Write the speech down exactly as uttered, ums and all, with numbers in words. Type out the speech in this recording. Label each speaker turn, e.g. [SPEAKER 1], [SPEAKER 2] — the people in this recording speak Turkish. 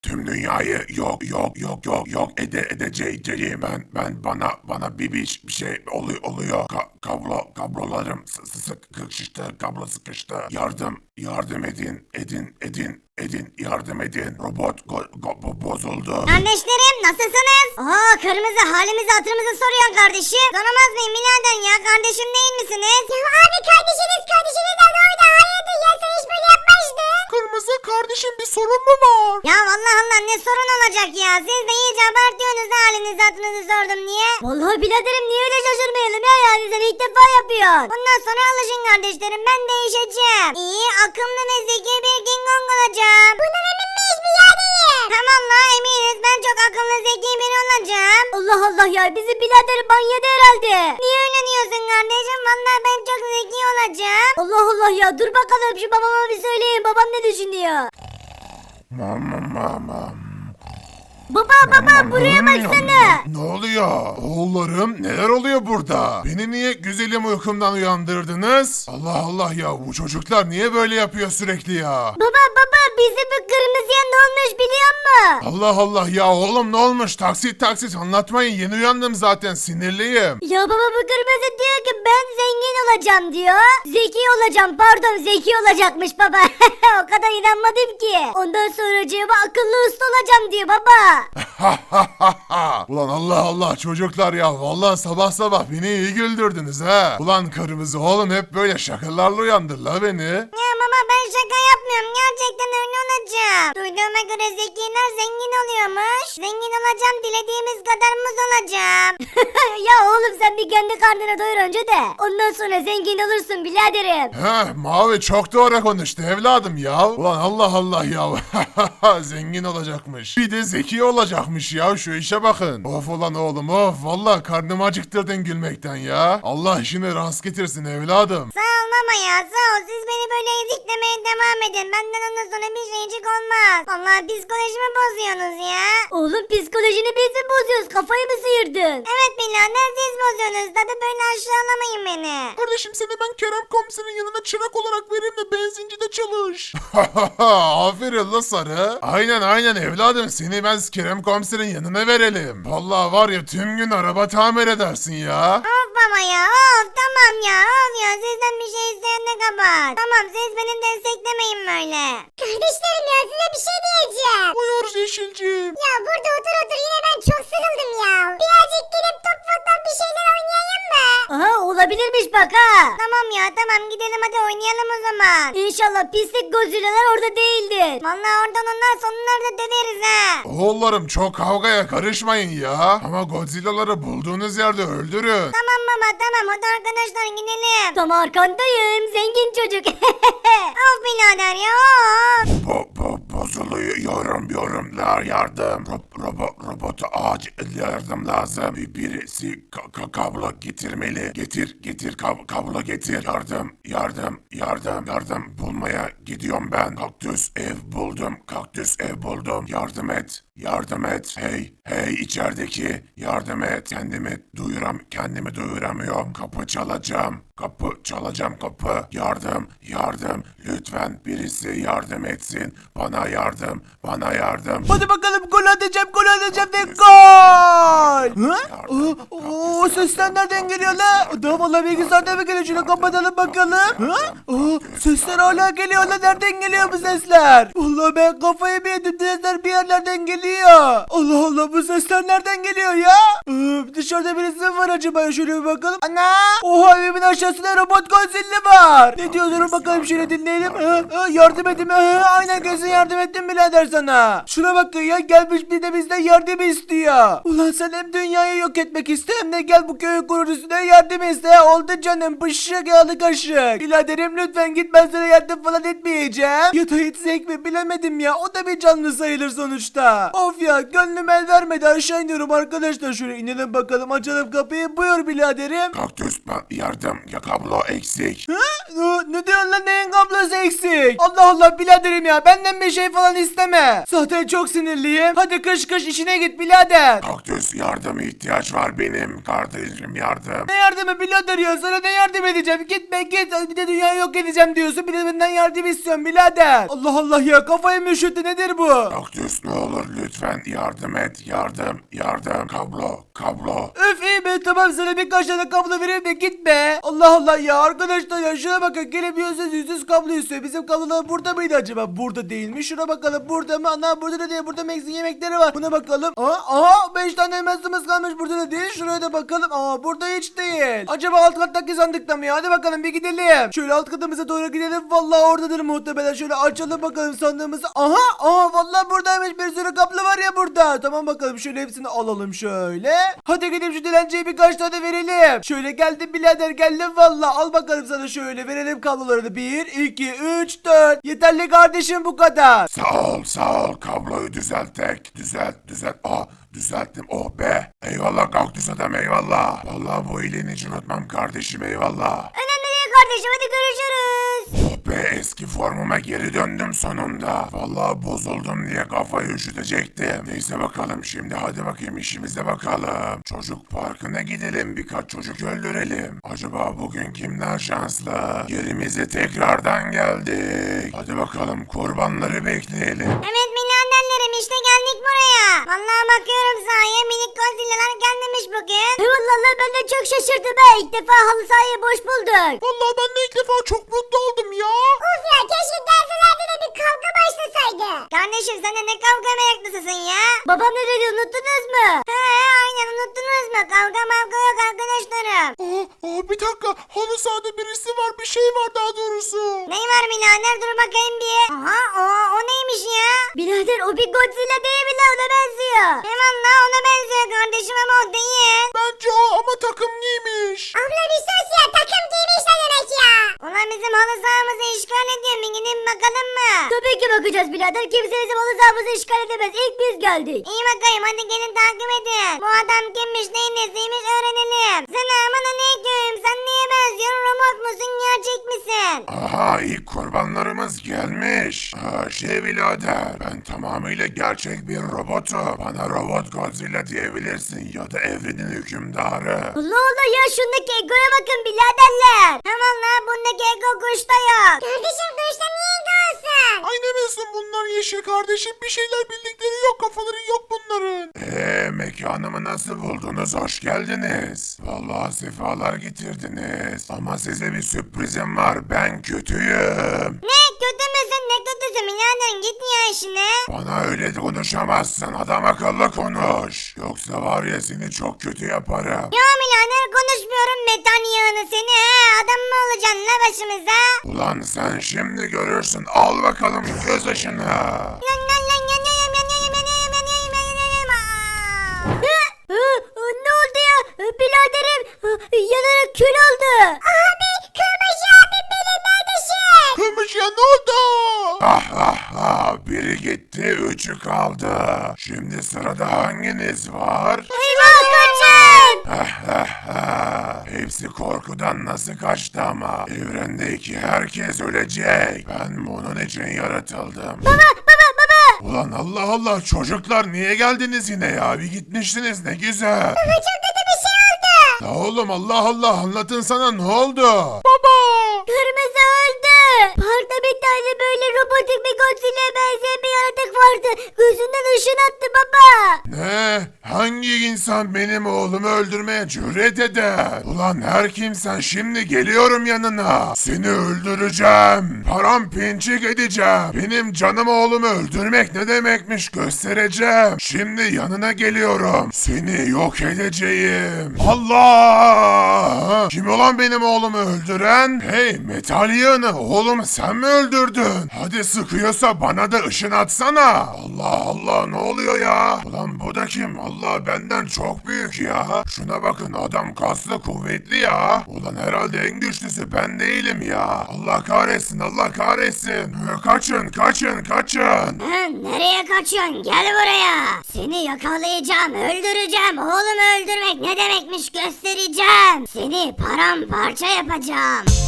[SPEAKER 1] Tüm dünyayı yok yok yok yok yok ede edeceğim. Ben ben bana bana bir bir, bir şey oluyor oluyor. Ka kablo kablolarım sı sı sıkıştı, kablo sıkıştı. Yardım yardım edin edin edin edin yardım edin. Robot go, go, bo- bozuldu.
[SPEAKER 2] Kardeşlerim nasılsınız? Aa kırmızı halimizi hatırımızı soruyorsun kardeşim. Soramaz mıyım birader ya, kardeşim değil misiniz? Ya abi kardeşiniz kardeşiniz de orada hayırdır ya, sen hiç böyle yapmazdın.
[SPEAKER 3] Kırmızı kardeşim bir sorun mu var?
[SPEAKER 2] Ya vallahi Allah ne sorun olacak ya, siz de iyice abartıyorsunuz da halinizi hatırınızı sordum niye? Vallahi biraderim niye öyle şaşırmayalım ya, yani sen ilk defa yapıyorsun. Bundan sonra alışın kardeşlerim, ben değişeceğim. İyi akıllı ve zeki bir King Kong olacağım. Bundan emin miyiz biraderim? Tamam la eminiz, ben çok akıllı zeki biri olacağım. Allah Allah ya, bizi biraderim banyoda herhalde. Niye öyle diyorsun kardeşim, vallahi ben çok zeki olacağım. Allah Allah ya, dur bakalım şu babama bir söyleyin, babam ne düşünüyor?
[SPEAKER 1] Mama mama.
[SPEAKER 2] Baba baba buraya baksana.
[SPEAKER 1] Ne oluyor? Oğullarım neler oluyor burada? Beni niye güzelim uykumdan uyandırdınız? Allah Allah ya, bu çocuklar niye böyle yapıyor sürekli ya?
[SPEAKER 2] Baba baba bizi bu kırmızıya ne olmuş biliyor musun?
[SPEAKER 1] Allah Allah ya oğlum, ne olmuş? Taksit taksit anlatmayın, yeni uyandım zaten, sinirliyim.
[SPEAKER 2] Ya baba bu kırmızı diyor ki ben zengin olacağım diyor. Zeki olacağım, pardon zeki olacakmış baba. O kadar inanmadım ki. Ondan sonra cevabı akıllı usta olacağım diyor baba.
[SPEAKER 1] Ulan Allah Allah çocuklar ya, vallahi sabah sabah beni iyi güldürdünüz ha. Ulan kırmızı oğlum, hep böyle şakalarla uyandır la beni.
[SPEAKER 2] Ya baba ben şaka yapmıyorum, gerçekten öyle olacağım. Duyduğuma göre zekiler zengin oluyormuş. Zengin olacağım, dilediğimiz kadar muz olacağım. Ya oğlum sen bir kendi karnına doyur önce de. Ondan sonra zengin olursun biraderim.
[SPEAKER 1] Heh, Mavi çok doğru konuştu evladım ya. Ulan Allah Allah ya. Zengin olacakmış. Bir de zeki olacakmış ya, şu işe bakın. Of ulan oğlum of, vallahi karnımı acıktırdın gülmekten ya. Allah işini rast getirsin evladım.
[SPEAKER 2] Sağ ol baba ya, sağ ol. Siz beni böyle eziklemeye devam edin. Benden ondan sonra bir şeycik olmaz. Vallahi psikolojimi bozuyorsunuz ya. Oğlum psikolojini biz mi bozuyoruz? Kafayı mı sıyırdın? Evet birader siz bozuyorsunuz. Tabi böyle aşağılamayın beni.
[SPEAKER 3] Kardeşim seni ben Kerem komiserin yanına çırak olarak vereyim de benzincide çalış.
[SPEAKER 1] Aferin la sarı. Aynen aynen evladım, seni ben Kerem komiserin yanına verelim. Vallahi var ya, tüm gün araba tamir edersin ya.
[SPEAKER 2] Of baba ya, of tamam ya, of ya, sizden bir şey isteyen de kapat. Tamam siz beni desteklemeyin böyle. Kardeşlerim ya, size bir şey diyeceğim.
[SPEAKER 3] Buyur Yeşilciğim.
[SPEAKER 2] Ya burada otur otur yine ben çok sıkıldım ya. Birazcık gelip top futbol bir şeyler oynayayım mı? Aha olabilirmiş bak ha. Tamam ya tamam, gidelim hadi oynayalım o zaman. İnşallah pislik Godzilla'lar orada değildir. Vallahi oradan onlar sonları da döveriz ha.
[SPEAKER 1] Oğullarım çok kavgaya karışmayın ya. Ama Godzilla'ları bulduğunuz yerde öldürün.
[SPEAKER 2] Tamam baba tamam, hadi arkadaşlar gidelim. Tam arkandayım zengin çocuk. Of birader ya of.
[SPEAKER 1] Bo bo bozuluyorum yorumlar, yardım. Ro robo robota acil yardım lazım. Bir birisi ka ka kablo getirmeli. Getir getir kab kablo getir. Yardım yardım yardım yardım bulmaya gidiyorum ben. Kaktüs ev buldum. Kaktüs ev buldum. Yardım et. Yardım et. Hey hey içerideki, yardım et. Kendimi duyuram kendimi duyuramıyorum. Kapı çalacağım. Kapı çalacağım kapı. Yardım yardım. Lütfen birisi yardım etsin. Bana yardım. Bana yardım.
[SPEAKER 3] Hadi bakalım gol atacağım gol atacağım ve gol. Hı? Oo, oo, o sesler nereden geliyor la? Da valla bilgisayardan mı geliyor? Şunu kapatalım bakalım. Hı? Oo, sesler hala geliyor la, nereden geliyor bu sesler? Valla ben kafayı bir yedim, sesler bir yerlerden geliyor. Allah Allah, bu sesler nereden geliyor ya? Ee, dışarıda birisi mi var acaba? Şöyle bir bakalım. Ana! Oha, evimin aşağısında robot Godzilla var. Ne diyorlar bakalım, şöyle dinleyelim. Ee, ee, yardım edin. Ee, aynen kesin yardım ettim birader sana. Şuna bak ya, gelmiş bir de bizden yardım istiyor. Ulan sen hem dünyayı yok etmek iste hem de gel bu köyün kurucusuna yardım iste. Oldu canım, bışık yağlı kaşık. Biraderim lütfen git, ben sana yardım falan etmeyeceğim. Ya da etsek mi bilemedim ya, o da bir canlı sayılır sonuçta. Of ya gönlüm el vermedi, aşağı iniyorum arkadaşlar. Şöyle inelim bakalım, açalım kapıyı. Buyur biraderim.
[SPEAKER 1] Kaktüs ben yardım ya kablo eksik.
[SPEAKER 3] Ha? Ne, ne diyorsun lan, neyin kablosu eksik? Allah Allah biraderim ya, benden bir şey falan isteme. Zaten çok sinirliyim. Hadi kış kış işine git birader.
[SPEAKER 1] Kaktüs yardım ihtiyaç var benim kardeşim yardım.
[SPEAKER 3] Ne yardımı birader ya, sana ne yardım edeceğim? Gitme git, bir de dünyayı yok edeceğim diyorsun, bir de benden yardım istiyorsun birader. Allah Allah ya, kafayı mı üşüttü, nedir bu?
[SPEAKER 1] Kaktüs ne olur lütfen yardım et yardım yardım kablo kablo.
[SPEAKER 3] Öf iyi be, tamam sana birkaç tane kablo vereyim de gitme. Allah Allah ya arkadaşlar ya, şuna bakın, gelemiyorsunuz yüzsüz kablo istiyor. Bizim kablolar burada mıydı acaba? Burada değil mi? Şuna bakalım, burada mı? Ana burada da değil, burada Max'in yemekleri var. Buna bakalım. Aa, aha beş tane Max'ımız kalmış, burada da değil. Şuraya da bakalım. Aa burada hiç değil. Acaba alt kattaki sandıkta mı ya? Hadi bakalım bir gidelim. Şöyle alt katımıza doğru gidelim. Vallahi oradadır muhtemelen. Şöyle açalım bakalım sandığımızı. Aha aha vallahi buradaymış, bir sürü kablo var ya burada. Tamam bakalım, şöyle hepsini alalım şöyle. Hadi gidip şu dilenciye birkaç tane verelim. Şöyle geldim birader, geldim valla. Al bakalım sana, şöyle verelim kablolarını. bir, iki, üç, dört. Yeterli kardeşim, bu kadar.
[SPEAKER 1] Sağ ol sağ ol kabloyu düzelttek düzelt düzelt. Aa düzelttim oh be. Eyvallah kaktüs adam eyvallah. Vallahi bu iyiliğini hiç unutmam kardeşim eyvallah.
[SPEAKER 2] Önemli değil kardeşim, hadi görüşürüz.
[SPEAKER 1] Oh be eski formuma geri döndüm sonunda. Vallahi bozuldum diye kafayı üşütecektim. Neyse bakalım şimdi, hadi bakayım işimize bakalım. Çocuk parkına gidelim, birkaç çocuk öldürelim. Acaba bugün kimler şanslı? Yerimize tekrardan geldik. Hadi bakalım kurbanları bekleyelim.
[SPEAKER 2] Evet milyonderlerim, işte geldik buraya. Vallahi bakıyorum sahaya, minik Godzilla'lar gelmemiş bugün. Vallahi ben de çok şaşırdım ha. İlk defa halı sahayı boş bulduk.
[SPEAKER 1] Vallahi ben de ilk defa çok mutlu oldum ya.
[SPEAKER 2] Of ya, keşke derslerde de bir kavga başlasaydı. Kardeşim sen de ne kavga meraklısısın ya? Babam ne dedi, unuttunuz mu? He aynen, unuttunuz mu? Kavga mavga yok arkadaşlarım.
[SPEAKER 1] Aa, aa, bir dakika halı sahada birisi var, bir şey var daha doğrusu.
[SPEAKER 2] Ney var birader, dur bakayım bir. Aha o, o neymiş ya? Birader o bir Godzilla değil mi la, ona benziyor. He valla ona benziyor kardeşim ama o değil.
[SPEAKER 1] Bence o ama takım giymiş.
[SPEAKER 2] Abla bir sus ya, takım giymiş ne demek ya? Ulan bizim halı sahamızı işgal ediyor, bir gidin bakalım mı? Tabii ki bakacağız birader, kimse bizim halı sahamızı işgal edemez, ilk biz geldik. İyi bakayım, hadi gelin takip edin. Bu adam kimmiş, neyin nesiymiş öğrenelim. Selamun aleyküm, sen neye benziyorsun, robot musun gerçek misin?
[SPEAKER 1] Aha ilk kurbanlarımız gelmiş. Aa, şey birader ben tamamıyla gerçek bir robotum. Bana robot Godzilla diyebilirsin ya da evrenin hükümdarı.
[SPEAKER 2] Allah Allah ya, şundaki egoya bakın biraderler. He valla bundaki ego kuşta yok. Kardeşim kuşta niye ego olsun?
[SPEAKER 1] Ay ne bilsin bunlar yeşil kardeşim, bir şeyler bildikleri yok, kafaları yok bunların. Eee mekanımı nasıl buldunuz, hoş geldiniz. Vallahi sefalar getirdiniz. Ama size bir sürprizim var, ben kötüyüm.
[SPEAKER 2] Ne kötü müsün, ne kötüsün birader, git ya işine.
[SPEAKER 1] Bana öyle konuşamazsın, adam akıllı konuş. Yoksa var ya seni çok kötü yaparım.
[SPEAKER 2] Ya birader konuşmuyorum, metan yağını seni he, adam mı olacaksın la başımıza?
[SPEAKER 1] Ulan sen şimdi görürsün, al bakalım göz ışını.
[SPEAKER 2] Lan lan lan yanıyorum yanıyorum yanıyorum yanıyorum yanıyorum. Aa! Hı, hı, hı, ne oldu ya? Biraderim hı, yanarak kül oldu. Abi kırmızı abim benim, neredesin?
[SPEAKER 1] Kırmış ya, ne oldu? Ah ah ah, biri gitti, üçü kaldı. Şimdi sırada hanginiz var?
[SPEAKER 2] Eyvah kaçın.
[SPEAKER 1] Ah ah ah, hepsi korkudan nasıl kaçtı ama. Evrendeki herkes ölecek. Ben bunun için yaratıldım.
[SPEAKER 2] Baba baba baba.
[SPEAKER 1] Ulan Allah Allah, çocuklar niye geldiniz yine ya? Bir gitmiştiniz, ne güzel.
[SPEAKER 2] Baba çok kötü bir şey oldu.
[SPEAKER 1] La oğlum Allah Allah, anlatın sana, ne oldu? Baba!
[SPEAKER 2] Kırmızı öldü. Parkta bir tane böyle robotik bir Godzilla'ya benzeyen bir yaratık vardı. Gözünden ışın attı baba.
[SPEAKER 1] Ne? Hangi insan benim oğlumu öldürmeye cüret eder? Ulan her kimsen şimdi geliyorum yanına. Seni öldüreceğim. Paramparçık edeceğim. Benim canım oğlumu öldürmek ne demekmiş göstereceğim. Şimdi yanına geliyorum. Seni yok edeceğim. Allah! Kim olan benim oğlumu öldüren? Hey metal yığını, oğlumu sen mi öldürdün? öldürdün? Hadi sıkıyorsa bana da ışın atsana. Allah Allah ne oluyor ya? Ulan bu da kim? Allah benden çok büyük ya. Şuna bakın adam kaslı kuvvetli ya. Ulan herhalde en güçlüsü ben değilim ya. Allah kahretsin Allah kahretsin. Kaçın kaçın kaçın.
[SPEAKER 2] Hı, nereye kaçıyorsun? Gel buraya. Seni yakalayacağım, öldüreceğim. Oğlumu öldürmek ne demekmiş göstereceğim. Seni paramparça yapacağım.